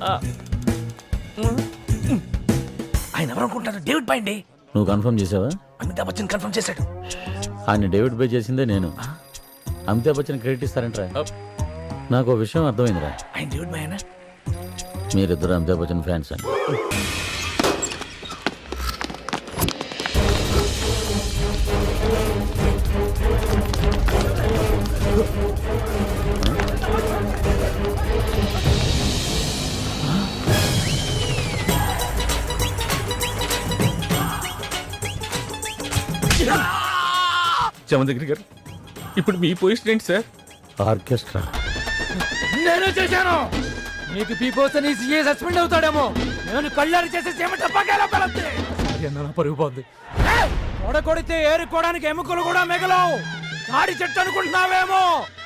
ఆయన ఎవరు అనుకుంటారు? డేవిడ్ బాయ్ అండి. నువ్వు కన్ఫర్మ్ చేసావా? అమితాబ్ బచ్చన్ కన్ఫర్మ్ చేశాడు. ఆయన డేవిడ్ బై చేసిందే నేను. అమితాబ్ బచ్చన్ క్రెడిట్ ఇస్తారంటరా? నాకు ఓ విషయం అర్థమైందిరా. ఆయన డేవిడ్ బాయ్ అనా? మీరిద్దరు అమితాబ్ బచ్చన్ ఫ్యాన్స్ అని. జమదగ్ని గారు, ఇప్పుడు మీ పొజిషన్ ఏంటి సార్? ఆర్కెస్ట్రా నేనే చేశాను. నీకు పీపోతే సీఏ సస్పెండ్ అవుతాడేమో. నేను కళ్ళారు చేసే పరుగు పోద్ది. కొడితే ఏరుకోవడానికి ఎముకలు కూడా మిగలవు. తాడి చెట్టు అనుకుంటున్నావేమో.